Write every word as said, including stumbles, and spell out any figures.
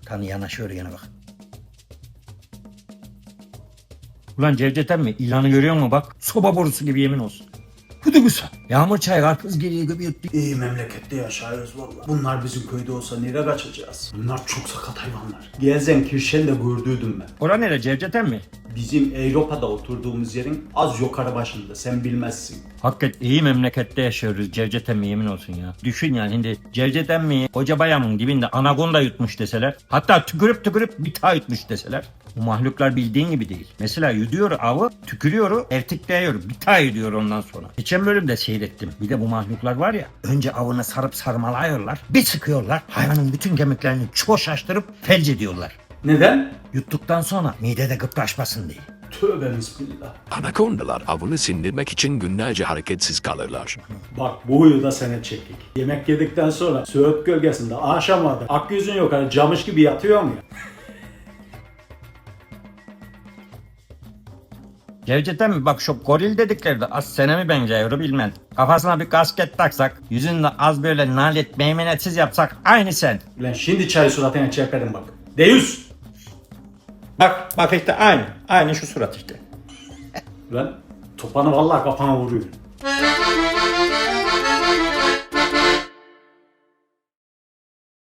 Tanı yanaşıyor yana bak. Ulan Cevdet emmi ilanı görüyor musun bak? Soba borusu gibi yemin olsun. Bu da güzel. Yağmur çay karpuz geliyor gibi yuttu. İyi memlekette yaşıyoruz valla. Bunlar bizim köyde olsa nereye kaçacağız? Bunlar çok sakat hayvanlar. Gelsenkirchen de gördüydüm ben. Ora nere Cevdet emmi? Bizim Avrupa'da oturduğumuz yerin az yukarı başında, sen bilmezsin. Hakikat iyi memlekette yaşıyoruz Cevdet emmi yemin olsun ya. Düşün yani şimdi Cevdet emmiyi koca bayamın dibinde anakonda yutmuş deseler. Hatta tükürüp tükürüp bir daha yutmuş deseler. Bu mahluklar bildiğin gibi değil. Mesela yuduyor avı, tükürüyor, ertikleyiyor. Bir daha yuduyor ondan sonra. Geçen bölümde seyrettim. Bir de bu mahluklar var ya. Önce avını sarıp sarmalıyorlar. Bir sıkıyorlar. Hayvanın bütün kemiklerini çoşaştırıp felç ediyorlar. Neden? Yuttuktan sonra midede gıpraşmasın diye. Tövbe bismillah. Anakondalar avını sindirmek için günlerce hareketsiz kalırlar. Bak bu huyu da sene çektik. Yemek yedikten sonra Söğüt gölgesinde aşamada akyüzün yok hani camış gibi yatıyor mu ya? Cevdet emmi bak şu goril dedikleri de az senemi benziyor bilmem. Kafasına bir kasket taksak, yüzünde az böyle nalet meymenetsiz yapsak aynı sen. Ulan şimdi çay suratına çekerim bak. Deyüz! Bak bak işte aynı. Aynı şu surat işte. Ulan topanı vallahi kafana vuruyor.